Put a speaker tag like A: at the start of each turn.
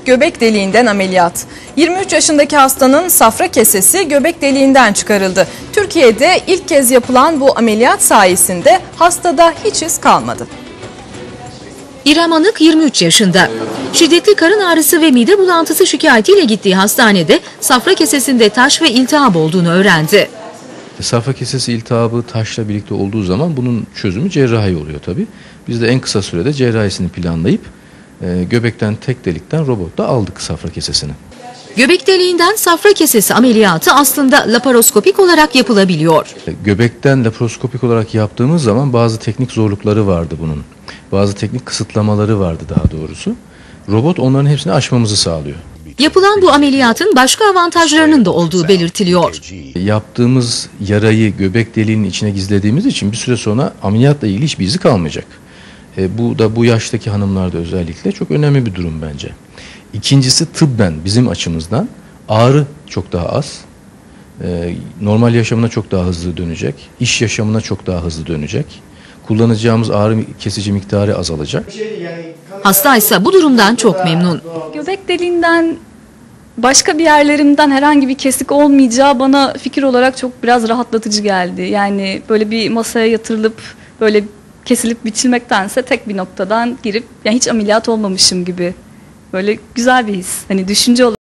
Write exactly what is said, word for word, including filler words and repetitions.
A: göbek deliğinden ameliyat. yirmi üç yaşındaki hastanın safra kesesi göbek deliğinden çıkarıldı. Türkiye'de ilk kez yapılan bu ameliyat sayesinde hastada hiç iz kalmadı.
B: İrem Anık yirmi üç yaşında. Şiddetli karın ağrısı ve mide bulantısı şikayetiyle gittiği hastanede safra kesesinde taş ve iltihap olduğunu öğrendi.
C: Safra kesesi iltihabı taşla birlikte olduğu zaman bunun çözümü cerrahi oluyor tabii. Biz de en kısa sürede cerrahisini planlayıp e, göbekten tek delikten robotla aldık safra kesesini.
B: Göbek deliğinden safra kesesi ameliyatı aslında laparoskopik olarak yapılabiliyor.
C: Göbekten laparoskopik olarak yaptığımız zaman bazı teknik zorlukları vardı bunun. Bazı teknik kısıtlamaları vardı daha doğrusu. Robot onların hepsini aşmamızı sağlıyor.
B: Yapılan bu ameliyatın başka avantajlarının da olduğu belirtiliyor.
C: Yaptığımız yarayı göbek deliğinin içine gizlediğimiz için bir süre sonra ameliyatla ilgili hiçbir izi kalmayacak. E, bu da bu yaştaki hanımlarda özellikle çok önemli bir durum bence. İkincisi tıbben bizim açımızdan ağrı çok daha az. E, normal yaşamına çok daha hızlı dönecek. İş yaşamına çok daha hızlı dönecek. Kullanacağımız ağrı kesici miktarı azalacak.
B: Hasta ise bu durumdan çok memnun.
D: Göbek deliğinden başka bir yerlerimden herhangi bir kesik olmayacağı bana fikir olarak çok biraz rahatlatıcı geldi. Yani böyle bir masaya yatırılıp böyle kesilip biçilmektense tek bir noktadan girip yani hiç ameliyat olmamışım gibi böyle güzel bir his. Hani düşünce olarak